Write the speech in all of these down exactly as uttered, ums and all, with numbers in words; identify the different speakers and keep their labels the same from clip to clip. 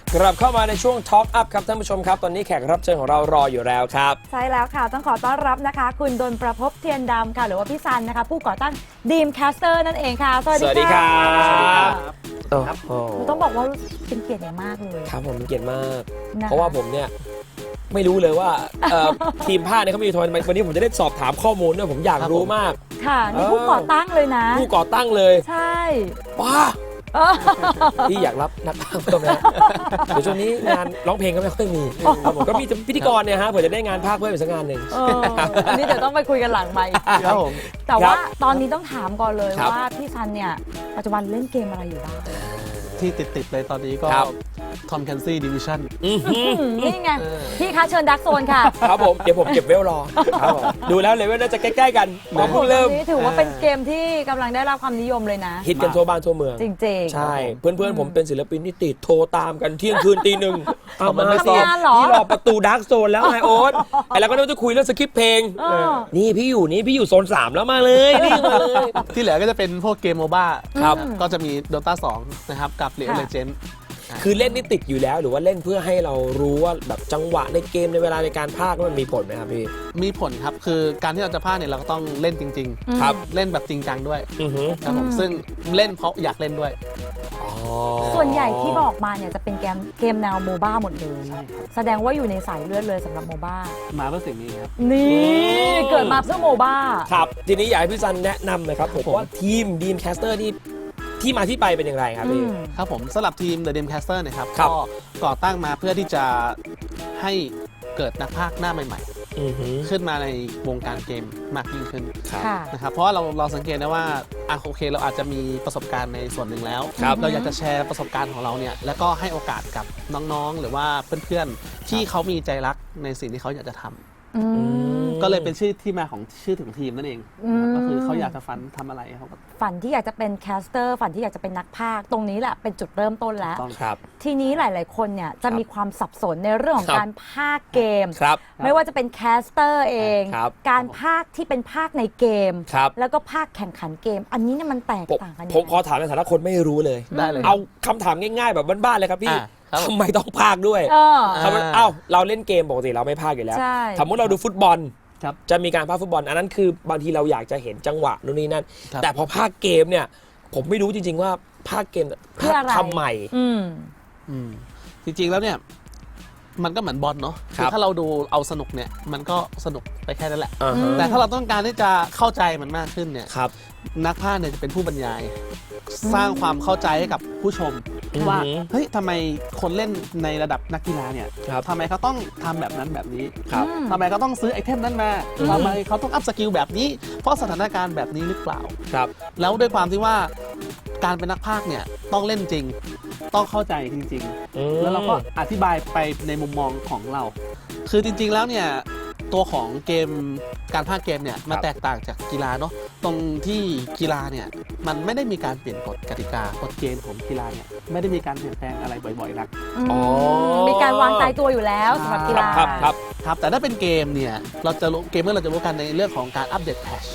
Speaker 1: กลับเข้ามาในช่วง Talk Up ครับท่านผู้ชมครับตอนนี้แขกรับเชิญของเรารออยู่แล้วครับ
Speaker 2: ใช่แล้วค่ะต้องขอต้อนรับนะคะคุณดลประภพเทียนดำค่ะหรือว่าพี่ซันนะคะผู้ก่อตั้ง Dreamcaster นั่นเองค่ะสวัสดีค่ะ
Speaker 1: สวัสดีครับ
Speaker 2: ต้องบอกว่าเป็นเกียรติอย่างมากเลย
Speaker 1: ครับผมเป็นเกียรติมากเพราะว่าผมเนี่ยไม่รู้เลยว่าทีมภาคเนี่ยเขามีทัวร์วันนี้ผมจะได้สอบถามข้อมูลด้วยผมอยากรู้มาก
Speaker 2: ค่ะนี่ผู้ก่อตั้งเลยนะ
Speaker 1: ผู้ก่อตั้งเลย
Speaker 2: ใช่
Speaker 1: ว้าพี่อยากรับนักพากย์เพิ่มนะเดี๋ยวช่วงนี้งานร้องเพลงก็ไม่ค่อยมีผมก็มีพิธีกรเนี่ยฮะเผื่อจะได้งานพากย์เพิ่มอีกสักงานหนึ่ง
Speaker 2: อันนี้เดี๋ยวต้องไปคุยกันหลังไมค์
Speaker 1: ครับผม
Speaker 2: แต่ว่าตอนนี้ต้องถามก่อนเลยว่าพี่ซันเนี่ยปัจจุบันเล่นเกมอะไรอยู่บ้าง
Speaker 3: ที่ติดๆเลยตอนนี้ก็ทอมแคนซี่ดิวิชั่น
Speaker 2: นี่ไงพี่คะเชิญดักโซนค่ะ
Speaker 1: ครับผมเดี๋ยวผมเก็บเวลรอดูแล้วเลเวลน่าจะใกล้ๆกันผมเพิ่งเริ่ม
Speaker 2: นี่ถือว่าเป็นเกมที่กำลังได้รับความนิยมเลยนะ
Speaker 1: ฮิตกันทั่วบ้านทั่วเมือง
Speaker 2: จริงๆ
Speaker 1: ใช่เพื่อนๆผมเป็นศิลปินที่ติดโทรตามกันเที่ยงคืนตีหนึ่งเอามา
Speaker 2: ทำงานเหรอ
Speaker 1: พี่รอประตูดักโซนแล้วไงโอ๊ตไอ้แล้วก็เราจะคุยเรื่องสคริปต์เพลงนี่พี่อยู่นี่พี่อยู่โซนสามแล้วมาเลยนี่มาเลย
Speaker 3: ที่เหลือก็จะเป็นพวกเกมโมบ้า
Speaker 1: ครับ
Speaker 3: ก็จะมี Dota สองนะครับกับ League of Legends
Speaker 1: คือเล่นนี่ติดอยู่แล้วหรือว่าเล่นเพื่อให้เรารู้ว่าแบบจังหวะในเกมในเวลาในการพากย์มันมีผลไหมครับพี่
Speaker 3: มีผลครับคือการที่เราจะพากย์เนี่ยเราก็ต้องเล่นจริง
Speaker 1: ๆครับ
Speaker 3: เล่นแบบจริงจังด้วยครับผมซึ่งเล่นเพราะอยากเล่นด้วย
Speaker 2: ส่วนใหญ่ที่บอกมาเนี่ยจะเป็นเกมเกมแนวโมบ้าหมดเลยแสดงว่าอยู่ในสายเลือดเลยสำหรับโมบ้า
Speaker 3: มาเพื่อสิ่งนี้ครับ
Speaker 2: นี่เกิดมาเพื่อโมบ้า
Speaker 1: ครับทีนี้อยากให้พี่ซันแนะนำหน่อยครับผมว่าทีม Dreamcaster นี่ที่มาที่ไปเป็นอย่างไรครับพี่
Speaker 3: ครับผมสำหรับทีม The Dreamcaster นะครับก็ก่อตั้งมาเพื่อที่จะให้เกิดนักพากย์หน้าใหม่ๆขึ้นมาในวงการเกมมากยิ่งขึ้นนะครับเพราะว่าเราเราสังเกตได้ว่าอ่ะโอเคเราอาจจะมีประสบการณ์ในส่วนหนึ่งแล้วเราอยากจะแชร์ประสบการณ์ของเราเนี่ยแล้วก็ให้โอกาสกับน้องๆหรือว่าเพื่อนๆที่เขามีใจรักในสิ่งที่เขาอยากจะทำก็เลยเป็นชื่อที่มาของชื่อถึงทีมนั่นเองก็คือเขาอยากจะฝันทำอะไรเขา
Speaker 2: ฝันที่อยากจะเป็นแคสเตอร์ฝันที่อยากจะเป็นนักพากย์ตรงนี้แหละเป็นจุดเริ่มต้นแล้วทีนี้หลายๆคนเนี่ยจะมีความสับสนในเรื่องของการพากย์เกมไม่ว่าจะเป็นแคสเตอร์เองการพากย์ที่เป็นพากย์ในเกมแล้วก็พากย์แข่งขันเกมอันนี้เนี่ยมันแตกต่างกัน
Speaker 1: ผมขอถามในฐานะคนไม่รู้เลย
Speaker 3: ได้เลย
Speaker 1: เอาคำถามง่ายๆแบบบ้านๆเลยครับพี่ทำไมต้องพากย์ด้วยทำไมเอ้าเราเล่นเกมปกติเราไม่พากย์อยู่แล้วสมมติเราดูฟุตบอลจะมีการพากย์ฟุตบอลอันนั้นคือบางทีเราอยากจะเห็นจังหวะนู่นนี่นั่นแต่พอพากย์เกมเนี่ยผมไม่รู้จริงๆว่าพากย์เกมพากย์ทำใหม่
Speaker 3: จริงๆแล้วเนี่ยมันก็เหมือนบอลเนาะคือถ้าเราดูเอาสนุกเนี่ยมันก็สนุกไปแค่นั้นแหละแต่ถ้าเราต้องการที่จะเข้าใจมันมากขึ้นเนี่ยนักพากย์เนี่ยจะเป็นผู้บรรยายสร้างความเข้าใจให้กับผู้ชมว่าเฮ้ยทำไมคนเล่นในระดับนักกีฬาเนี่ยทำไมเขาต้องทำแบบนั้นแบบนี้ทำไมเขาต้องซื้อไอเทมนั้นมาทำไมเขาต้องอัพสกิลแบบนี้เพราะสถานการณ์แบบนี้หรือเปล่า
Speaker 1: ครับ
Speaker 3: แล้วด้วยความที่ว่าการเป็นนักพากย์เนี่ยต้องเล่นจริงต้องเข้าใจจริงๆแล้วเราก็อธิบายไปในมุมมองของเราคือจริงๆแล้วเนี่ยตัวของเกมการพากย์เกมเนี่ยมันแตกต่างจากกีฬาเนาะตรงที่กีฬาเนี่ยมันไม่ได้มีการเปลี่ยนกฎกติกากฎเกณฑ์ของกีฬาเนี่ยไม่ได้มีการเปลี่ยนแปลงอะไรบ่อยๆนัก
Speaker 2: มีการวางตายตัวอยู่แล้วสำหรับกีฬา
Speaker 1: ครับครับ
Speaker 3: ครับแต่ถ้าเป็นเกมเนี่ยเราจะรู้เกมเมื่อเราจะรู้กันในเรื่องของการอัปเดตแพทช์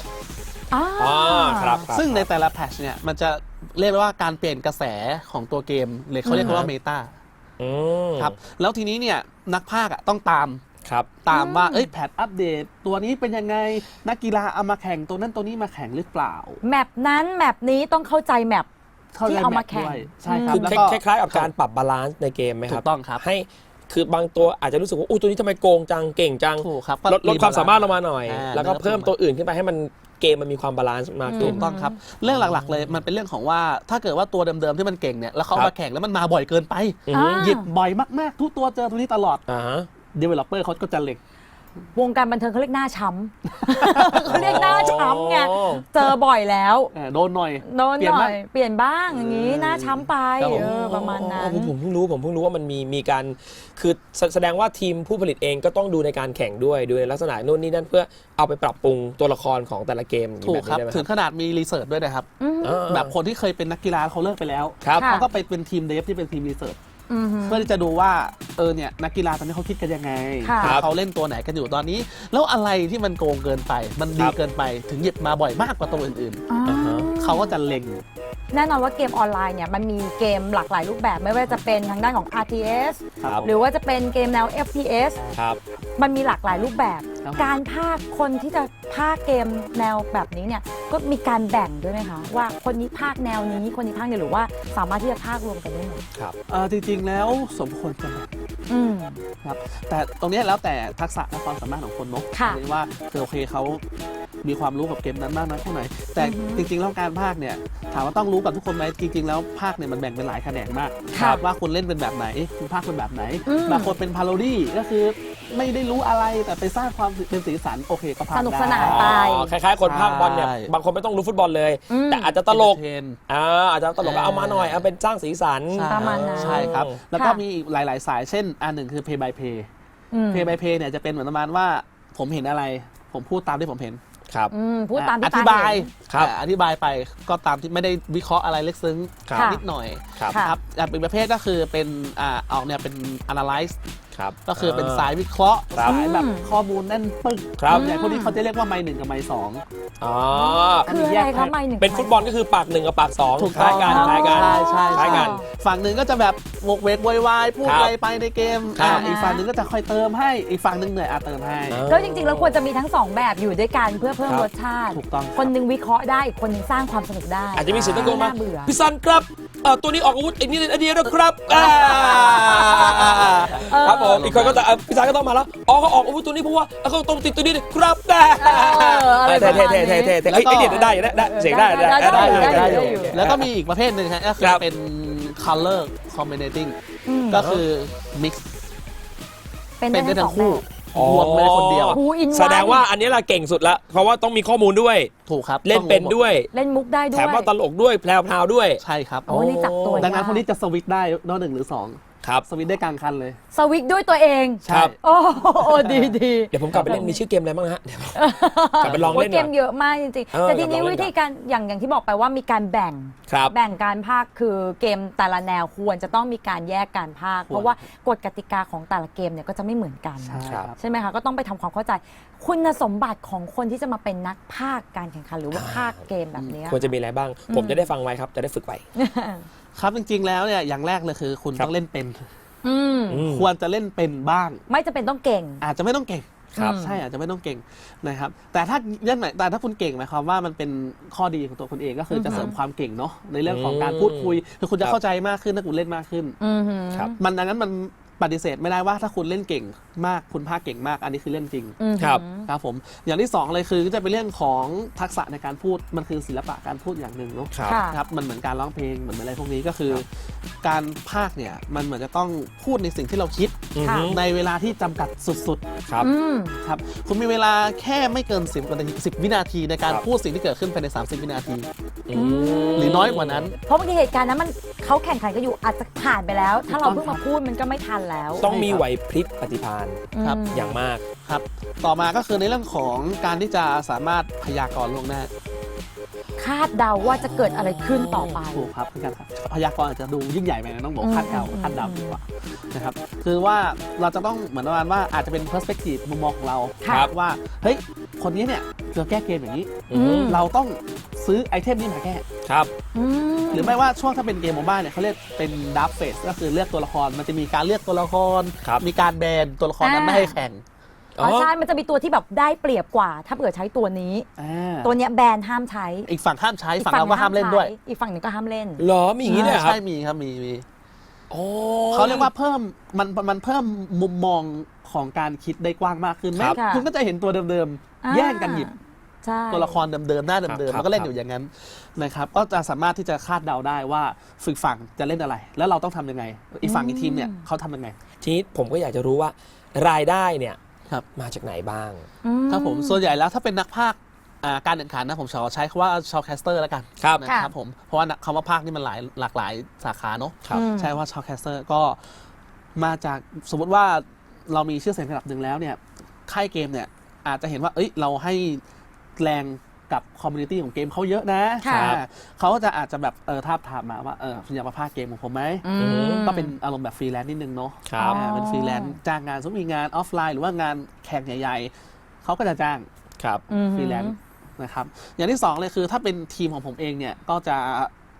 Speaker 3: ซึ่งในแต่ละแพทช์เนี่ยมันจะเรียกว่าการเปลี่ยนกระแสของตัวเกมเลยเขาเรียกว่าเมตาครับแล้วทีนี้เนี่ยนักพากย์ต้องตามตามว่าเอ้ยแพทอัปเดตตัวนี้เป็นยังไงนักกีฬาเอามาแข่งตัวนั้นตัวนี้มาแข่งหรือเปล่า
Speaker 2: แมปนั้นแมปนี้ต้องเข้าใจแมปที่เอามาแข่ง
Speaker 1: ใช่ครับคือคล้ายๆกับการปรับบาลานซ์ในเกมไหมครับ
Speaker 3: ถูกต้องครับ
Speaker 1: ให้คือบางตัวอาจจะรู้สึกว่าอู้ตัวนี้ทำไมโกงจังเก่งจังลดลดความสามารถลงมาหน่อยแล้วก็เพิ่มตัวอื่นขึ้นไปให้มันเกมมันมีความบาลานซ์มากขึ้น
Speaker 3: ถูกต้องครับเรื่องหลักๆเลยมันเป็นเรื่องของว่าถ้าเกิดว่าตัวเดิมๆที่มันเก่งเนี่ยแล้วเขามาแข่งแล้วมันมาบ่อยเกินไปหยิบบ่อยมากๆทุกตัวเจอตัวนี้ตลอดdeveloper เขาก็จะเล็ง
Speaker 2: วงการบันเทิงเขาเรียกหน้าช้ำเขาเรียกหน้าช้ำไงเจอบ่อยแล้ว
Speaker 3: โดนหน่อย
Speaker 2: โดนหน่อยเปลี่ยนบ้างอย่างนี้หน้าช้ำไปประมาณนั้น
Speaker 1: ผมเพิ่งรู้ผมเพิ่งรู้ว่ามันมีมีการคือแสดงว่าทีมผู้ผลิตเองก็ต้องดูในการแข่งด้วยดูในลักษณะโน่นนี่นั่นเพื่อเอาไปปรับปรุงตัวละครของแต่ละเกม
Speaker 3: ถูกครับถึงขนาดมีรีเสิร์ชด้วยนะครับแบบคนที่เคยเป็นนักกีฬาเขาเลิกไปแล้วเขาก็ไปเป็นทีมเดฟที่เป็นทีมรีเสิร์ชเพื่อที่จะดูว่าเออเนี่ยนักกีฬาตอนนี้เขาคิดกันยังไงเขาเล่นตัวไหนกันอยู่ตอนนี้แล้วอะไรที่มันโกงเกินไปมันดีเกินไปถึงหยิบมาบ่อยมากกว่าตัวอื่นๆเขาก็จะเล็ง
Speaker 2: แน่นอนว่าเกมออนไลน์เนี่ยมันมีเกมหลากหลายรูปแบบไม่ว่าจะเป็นทางด้านของ อาร์ ที เอส หรือว่าจะเป็นเกมแนว เอฟ พี เอส
Speaker 1: ครับ
Speaker 2: มันมีหลากหลายรูปแบบ การพากย์คนที่จะพากย์เกมแนวแบบนี้เนี่ยก็มีการแบ่งด้วยไหมคะว่าคนนี้พากย์แนวนี้คนนี้พากย์เนี่ยหรือว่าสามารถที่จะพากย์รวมกันได้หมด
Speaker 1: ครับ
Speaker 3: จริงๆแล้วสมควรจะแบ่งครับแต่ตรงนี้แล้วแต่ทักษะและความสามารถของคนเนาะว่าคือโอเคเขามีความรู้กับเกมนั้นมากน้อยแค่ไหนแต่จริงๆแล้วการพากย์เนี่ยถามว่าต้องรู้กับทุกคนไหมจริงๆแล้วพากย์เนี่ยมันแบ่งเป็นหลายแขนงมากว่าคุณเล่นเป็นแบบไหนคุณพากย์เป็นแบบไหนบางคนเป็นพาโรดี้ก็คือไม่ได้รู้อะไรแต่ไปสร้างความเป็นสีสันโอเคก็พากย์ได้
Speaker 2: สนุกสนานไป
Speaker 1: คล้ายๆคนพากย์บอลเนี่ยบางคนไม่ต้องรู้ฟุตบอลเลยแต่อาจจะตลกอ่าอาจจะตลกก็เอามาหน่อยเอาเป็นสร้างสีสัน
Speaker 2: ประมาณนั้น
Speaker 3: ใช่ครับแล้วก็มีหลายๆสายเช่นอันหนึ่งคือ pay by play pay by play เนี่ยจะเป็นเหมือนประมาณว่าผมเห็นอะไรผมพูดตามที่ผมเห็น
Speaker 1: ครับ
Speaker 2: พูดตามที่
Speaker 3: อธิบายครับอธิบายไปก็ตามที่ไม่ได้วิเคราะห์อะไรลึกซึ้งนิดหน่อยครับเป็นประเภทก็คือเป็นอ่าออกเนี่ยเป็น analyze ก็คือเป็นสายวิเคราะห์สายแบบข้อมูลแน่นปึกอย่างพวกนี้เขาจะเรียกว่าไมล์หนึ่งกับไมล์สอง
Speaker 1: อ๋อ
Speaker 2: คืออะไรคะไมล์หนึ่ง
Speaker 1: เป็นฟุตบอลก็คือปากหนึ่งกับปากสองคล้ายกันคล้ายกัน
Speaker 3: ใช่ใช่กันฝั่งหนึ่งก็จะแบบวกเวกวายวายพูดอะไรไปในเกมอีกฝั่งหนึ่งก็จะคอยเติมให้อีกฝั่งหนึ่งเหนื่อยอาเติมให้
Speaker 2: แล้วจริงๆแล้วควรจะมีทั้งสองแบบอยู่ด้วยกันเพื่อเพิ่มรสชาติคนหนึ่งวิเคราะห์ได้อีกคนหนึ่งสร้างความสนุกได้
Speaker 1: อาจจะมีเสียงตะโกนมาพี่ซันครับตัวนี้ออกอาวุธอีกนิดอันเดียวนะครับครับผมอีกคนก็จะพี่ซันก็ต้องมาแล้วอ๋อเขาออกอาวุธตัวนี้เพราะว่าเขาต้องติดตัวนี้ครับได้เท่เท่เท่เท่เท่เท่ไอ้เนี่ยได้ได้เสียงได้ได้ได้ได้
Speaker 3: แล้วก็มีอีกประเภทหนึ่งฮะก็คือเป็น color combinating ก็คือ mix
Speaker 2: เป็นได้ทั้งคู่
Speaker 3: รวมเลยคนเดียว
Speaker 1: แสดงว่าอันนี้เราเก่งสุดละเพราะว่าต้องมีข้อมูลด้วย
Speaker 3: ถูกครับ
Speaker 1: เล่นเป็นด้วย
Speaker 2: เล่นมุกได้ด้วย
Speaker 1: แถมว่าตลกด้วยแพรวๆด้วย
Speaker 3: ใช่ครับ
Speaker 2: โอ้นี่จับตัว
Speaker 3: ดังนั้นคนนี้จะสวิตช์ได้นอกหนึ่งหรือสอง
Speaker 1: ครับ
Speaker 3: สวิตช์ได้กลางคันเลย
Speaker 2: สวิตช์ด้วยตัวเอง
Speaker 1: ครับ
Speaker 2: โอ้โหดีดี
Speaker 1: เดี๋ยวผมกลับไปเล่นมีชื่อเกมอะไรบ้างฮะกลับไปลองเล่น
Speaker 2: เกมเยอะมากจริงๆแต่ทีนี้วิธีการอย่างอย่างที่บอกไปว่ามีการแบ่งแบ่งการพากย์คือเกมแต่ละแนวควรจะต้องมีการแยกการพากย์เพราะว่ากฎกติกาของแต่ละเกมเนี่ยก็จะไม่เหมือนกันใช่ไหมคะก็ต้องไปทำความเข้าใจคุณสมบัติของคนที่จะมาเป็นนักพากย์การแข่งขันหรือว่าพากย์เกมแบบนี้
Speaker 1: ควรจะมีอะไรบ้างผมจะได้ฟังไว้ครับจะได้ฝึกไว้
Speaker 3: ครับจริงๆแล้วเนี่ยอย่างแรกเลยคือคุณต้องเล่นเป็นควรจะเล่นเป็นบ้าง
Speaker 2: ไม่จำเป็นต้องเก่ง
Speaker 3: อาจจะไม่ต้องเก่งครับใช่อาจจะไม่ต้องเก่งนะครับแต่ถ้าเรื่องไหนแต่ถ้าคุณเก่งหมายความว่ามันเป็นข้อดีของตัวคุณเองก็คือจะเสริมความเก่งเนาะในเรื่องของการพูดคุยคือคุณจะเข้าใจมากขึ้นถ้าคุณเล่นมากขึ้นครับมันดังนั้นมันปฏิเสธไม่ได้ว่าถ้าคุณเล่นเก่งมากคุณพากย์เก่งมากอันนี้คือเรื่องจริง
Speaker 1: ครับ
Speaker 3: ครับผมอย่างที่สองเลยคือจะเป็นเรื่องของทักษะในการพูดมันคือศิลปะการพูดอย่างหนึ่งเนาะครับมันเหมือนการร้องเพลงเหมือนอะไรพวกนี้ก็คือการพากย์เนี่ยมันเหมือนจะต้องพูดในสิ่งที่เราคิดในเวลาที่จำกัดสุดๆครับครับคุณมีเวลาแค่ไม่เกินสิบสิบวินาทีในการพูดสิ่งที่เกิดขึ้นภายในสามสิบวินาทีหรือน้อยกว่านั้น
Speaker 2: เพราะบางทีเหตุการณ์นั้นมันเขาแข่งขันกันอยู่อาจจะผ่านไปแล้วถ้าเราเพิ่งมาพูดมันก็ไม่ทันแล้ว
Speaker 1: ต้องมีไหวพริบปฏิภาณ
Speaker 3: ครับ
Speaker 1: อย่างมาก
Speaker 3: ครับต่อมาก็คือในเรื่องของการที่จะสามารถพยากรณ์ล่วงหน้า
Speaker 2: คาดเดาว่าจะเกิดอะไรขึ้นต่อไป
Speaker 3: ถูกครับพยากรณ์อาจจะดูยิ่งใหญ่ไปนะต้องบอกคาดเดาคาดเดาดีกว่านะครับคือว่าเราจะต้องเหมือนประมาณว่าอาจจะเป็น perspective มุมมองของเราว่าเฮ้ยคนนี้เนี่ยจะแก้เกมอย่างนี้เราต้องซื้อไอเทมนี้มาแก้
Speaker 1: ครับ
Speaker 3: หรือไม่ว่าช่วงถ้าเป็นเกมโมบ้าเนี่ยเขาเรียกเป็นดับเฟสก็คือเลือกตัวละครมันจะมีการเลือกตัวละครมีการแบนตัวละครนั้นไม่ให้แข่ง
Speaker 2: อ๋อใช่มันจะมีตัวที่แบบได้เปรียบกว่าถ้าเกิดใช้ตัวนี้ตัวเนี้ยแบนห้ามใช้
Speaker 3: อีกฝั่งห้ามใช้ฝั่งเราก็ห้ามเล่นด้วย
Speaker 2: อีกฝั่งหนึ่งก็ห้ามเล่น
Speaker 1: หรอมีอย่างนี้เนี่ยครับ
Speaker 3: ใช่มีครับมีมีเขาเรียกว่าเพิ่มมันมันเพิ่มมุมมองของการคิดได้กว้างมากขึ้นไหมคุณก็จะเห็นตัวเดิมๆแย่งกันหยิบตัวละครเดิมๆหน้าเดิมๆมันก็เล่นอยู่อย่างนั้นนะครับก็จะสามารถที่จะคาดเดาได้ว่าฝึกฝั่งจะเล่นอะไร แล้วเราต้องทำยังไงอีกฝั่งอีกทีมเนี่ยเขาทำยังไง
Speaker 1: ทีนี้ผมก็อยากจะรู้ว่ารายได้เนี่ยมาจากไหนบ้าง
Speaker 3: ครับผมส่วนใหญ่แล้วถ้าเป็นนักพากย์การแข่งขันนะผมขอใช้คำว่าชาวแคสเตอร์แล้วกันนะครับผมเพราะว่าคำว่าพากย์นี่มันหลายหลากหลายสาขาเนาะใช่ว่าชาวแคสเตอร์ก็มาจากสมมติว่าเรามีชื่อเสียงระดับหนึ่งแล้วเนี่ยค่ายเกมเนี่ยอาจจะเห็นว่าเอ้ยเราให้แรงกับคอมมูนิตี้ของเกมเขาเยอะนะเขาจะอาจจะแบบเออทาบทามมาว่าเออคุณอยากมาพากย์เกมของผมไหมก็เป็นอารมณ์แบบฟรีแลนซ์นิดนึงเนาะเป็นฟรีแลนซ์จ้างงานสมมติมีงานออฟไลน์หรือว่างานแข่งใหญ่ๆเขาก็จะจ้างฟรีแลนซ์นะครับอย่างที่สองเลยคือถ้าเป็นทีมของผมเองเนี่ยก็จะ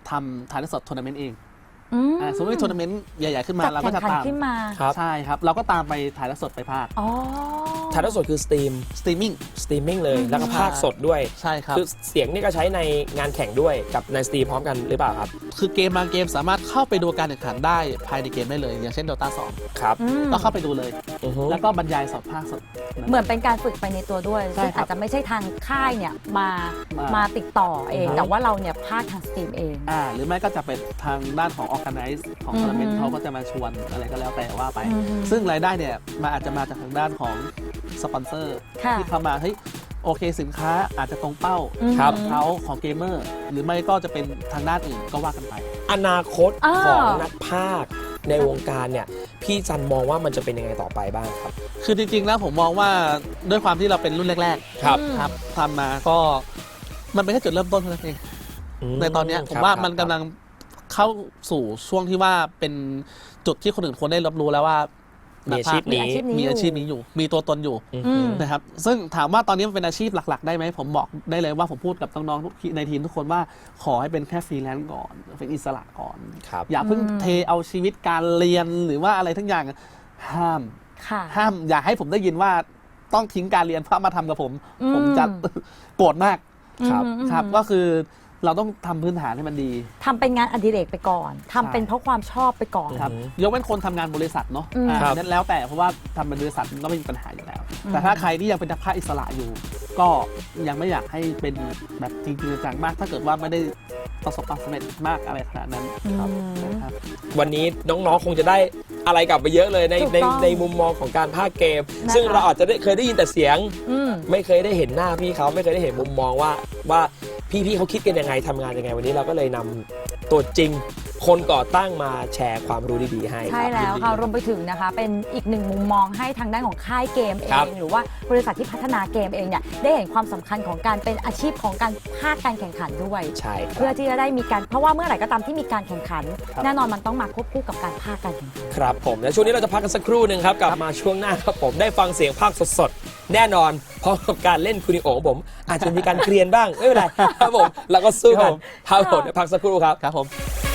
Speaker 3: ทำถ่ายทอดสดทัวร์นาเมนต์เอง
Speaker 2: อืม
Speaker 3: อ่าสมมติมีทัวร์นาเมนต์ใหญ่ๆขึ้นมา
Speaker 2: จัด
Speaker 3: เราก็
Speaker 2: แข่ง
Speaker 3: จะ
Speaker 2: ขัน
Speaker 3: ตาม
Speaker 2: ขึ้นมา
Speaker 1: ครับ
Speaker 3: ใช่ครับเราก็ตามไปถ่ายทอดสดไปภาค
Speaker 2: อ๋อ
Speaker 1: ถ่ายทอดสดคือสตรีม
Speaker 3: สตรีมมิ่ง
Speaker 1: สตรีมมิ่งเลย
Speaker 2: อืม
Speaker 1: แล้วก็ภาคสดด้วย
Speaker 3: ใช่ครับ
Speaker 1: คือเสียงนี่ก็ใช้ในงานแข่งด้วยกับในสตรีมพร้อมกันหรือเปล่าครับ
Speaker 3: คือเกมบางเกมสามารถเข้าไปดูการแข่งขันได้ภายในเกมได้เลย อย่างเช่น Dota สอง
Speaker 1: ครับ
Speaker 2: อืม
Speaker 3: ก็เข้าไปดูเลย
Speaker 1: อือฮึ
Speaker 3: แล้วก็บรรยายสดภาคสด
Speaker 2: เหมือนเป็นการฝึกไปในตัวด้วย
Speaker 3: ใช่
Speaker 2: ซึ่ง
Speaker 3: ครับ
Speaker 2: อาจจะไม่ใช่ทางค่ายเนี่ยมา
Speaker 3: มา
Speaker 2: มาติดต่อเอง
Speaker 3: อือฮึ
Speaker 2: แต่ว่าเราเนี่ยพากย์ทางสตรีมเอง
Speaker 3: อ่าหรือไม่ก็จะเป็นทางด้านของ Organize ของ
Speaker 2: อือฮึ
Speaker 3: ทัวร์นาเมนต์เขาก็จะมาชวนอะไรก็แล้วแต่ว่าไป
Speaker 2: อือฮึ
Speaker 3: ซึ่งรายได้เนี่ยมาอาจจะมาจากทางด้านของสปอนเซอร์
Speaker 2: ค่ะ
Speaker 3: ที่เข้ามาเฮ้ยโอเคสินค้าอาจจะตรงเป้า
Speaker 2: อืม
Speaker 1: ครับ
Speaker 3: เขาของเกมเมอร์หรือไม่ก็จะเป็นทางด้านอื่นก็ว่ากันไป
Speaker 1: อนาคต
Speaker 2: อ่า
Speaker 1: ของนักพากย์ในวงการเนี่ยพี่จันมองว่ามันจะเป็นยังไงต่อไปบ้างครับ
Speaker 3: คือจริงๆแล้วผมมองว่าด้วยความที่เราเป็นรุ่นแรก
Speaker 1: ครับ
Speaker 3: ๆครับทำมาก็มันเป็นแค่จุดเริ่มต้นเท่านั้นเอง ในตอนเนี้ยผมว่ามันกำลังเข้าสู่ช่วงที่ว่าเป็นจุดที่คนอื่นควรได้รับรู้แล้วว่า
Speaker 1: มี
Speaker 3: นัก
Speaker 1: อาชีพ
Speaker 3: พากย์
Speaker 1: นี้
Speaker 3: มีอาชีพนี้อยู่ มีตัวตนอยู่
Speaker 1: อืม
Speaker 2: อืม
Speaker 3: นะครับซึ่งถามว่าตอนนี้มันเป็นอาชีพหลักๆได้ไหมผมบอกได้เลยว่าผมพูดกับน้องๆทุกในทีมทุกคนว่าขอให้เป็นแค่ฟรีแลนซ์ก่อนเป็นอิสระก่อน
Speaker 1: ครับ
Speaker 3: อย่าเพิ่ง
Speaker 2: อืม
Speaker 3: เทเอาชีวิตการเรียนหรือว่าอะไรทั้งอย่างห้าม
Speaker 2: ค่ะ
Speaker 3: ห้ามอย่าให้ผมได้ยินว่าต้องทิ้งการเรียนเพื่อมาทำกับผม
Speaker 2: อืม
Speaker 3: ผมจะ โกรธมาก
Speaker 1: ครับ
Speaker 2: อืม
Speaker 3: ครับก็คือเราต้องทำพื้นฐานให้มันดี
Speaker 2: ทำเป็นงานอดิเรกไปก่อนทำเป็นเพราะความชอบไปก่อน
Speaker 3: ครับ
Speaker 1: อืม
Speaker 3: ยกเว้นคนทำงานบริษัทเนาะ
Speaker 2: อืม
Speaker 3: อ่า
Speaker 1: ครับ
Speaker 3: นั้นแล้วแต่เพราะว่าทำเป็นบริษัทมันก็ไม่มีปัญหาอยู่แล้ว
Speaker 2: อืม
Speaker 3: แต่ถ้าใครที่ยังเป็นนักพากย์อิสระอยู่ ก็ยังไม่อยากให้เป็นแบบจริงๆจังๆมาก ถ้าเกิดว่าไม่ได้ประสบความสำเร็จมากอะไรขนาดนั้นครับ
Speaker 2: อืม
Speaker 3: นะครับ
Speaker 1: วันนี้น้องๆ คงจะได้อะไรกลับไปเยอะเลยใน
Speaker 2: ถูก
Speaker 1: ใน
Speaker 2: ต้อง
Speaker 1: ในมุมมองของการพากย์เกม
Speaker 2: นะคะ
Speaker 1: ซึ่งเราอาจจะได้เคยได้ยินแต่เสียง
Speaker 2: อืม
Speaker 1: ไม่เคยได้เห็นหน้าพี่เขาไม่เคยได้เห็นมุมมองว่าว่าพี่ๆเขาคิดกันยังไงทำงานยังไงวันนี้เราก็เลยนำตัวจริง คนก่อตั้งมาแชร์ความรู้ดีๆให้
Speaker 2: ใช่
Speaker 1: ครับ
Speaker 2: แล้วค่ะ
Speaker 3: ยินดี
Speaker 2: รวมไปถึงนะคะเป็นอีกหนึ่งมุมมองให้ทางด้านของค่ายเกมเอ
Speaker 1: ครับ
Speaker 2: ง หรือว่าบริษัทที่พัฒนาเกมเองเนี่ยได้เห็นความสำคัญของการเป็นอาชีพของการภาคการแข่งขันด้วย
Speaker 1: ใช่ค
Speaker 2: เพื่อ
Speaker 1: รับ
Speaker 2: ที่จะได้มีการเพราะว่าเมื่อไหร่ก็ตามที่มีการแข่งขัน
Speaker 3: ครับ
Speaker 2: แน่นอนมันต้องมาควบคู่กับการภาคการแข่งขัน
Speaker 1: ครับผมและช่วงนี้เราจะพักกันสักครู่หนึ่งครับกลับมาช่วงหน้าครับผมได้ฟังเสียงภาคสดๆแน่นอนพร้อมกับการเล่นคูนิโอของผม อาจจะมีการเกรียนบ้างไม่เป็นไรครับผมเราก็สู้กันครับผมเดี๋ยวพักสักครู่ครับ
Speaker 3: ครับผม
Speaker 1: ค